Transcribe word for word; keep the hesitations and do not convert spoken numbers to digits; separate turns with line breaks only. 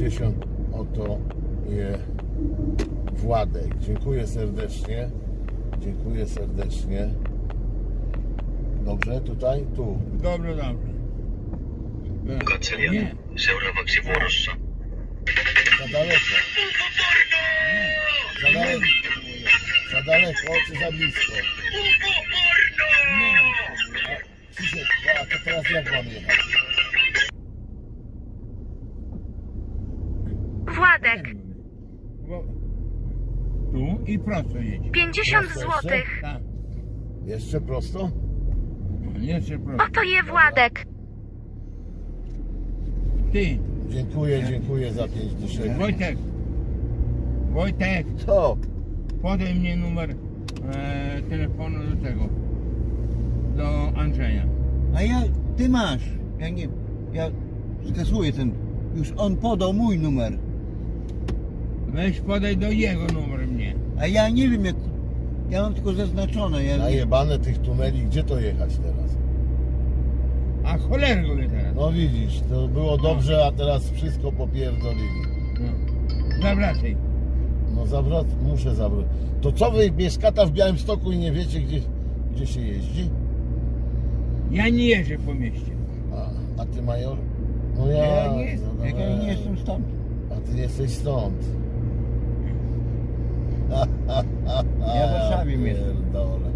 pięćdziesiąt. Oto je Władek. Dziękuję serdecznie. Dziękuję serdecznie. Dobrze, tutaj? Tu.
Dobrze, dobrze.
Kancelian. Seuraavaksi vuorossa.
Za daleko. Za daleko. Za daleko, czy za blisko? A, Krzysiek, a to teraz jak mam jechać?
Władek,
Bo- Tu i prosto jedź.
pięćdziesiąt
Prosto
złotych.
Tak.
Jeszcze prosto?
Jeszcze prosto.
Oto je Władek.
Ty,
Dziękuję, dziękuję za pięć dyszek.
Wojtek. Wojtek,
Co?
podaj mnie numer e, telefonu do tego. Do Andrzeja.
A ja, ty masz. Ja nie, ja skasuję ten. Już on podał mój numer.
Weź podaj do jego numer mnie.
A ja nie wiem jak. Ja mam tylko zaznaczone. Ja,
Najebane tych tuneli, gdzie to jechać teraz?
A cholerę go teraz.
No widzisz, to było dobrze, a teraz wszystko popierdolili.
No. Zawracaj.
No zawrot, muszę zawrócić. To co wy mieszkata w Białymstoku i nie wiecie gdzie, gdzie się jeździ?
Ja nie jeżdżę po mieście.
A, a ty major? No ja,
Ja nie jestem,
no,
jak ja nie jestem stąd.
A ty nie jesteś stąd.
Ja w Warszawie mieszkam.
Pierdolę.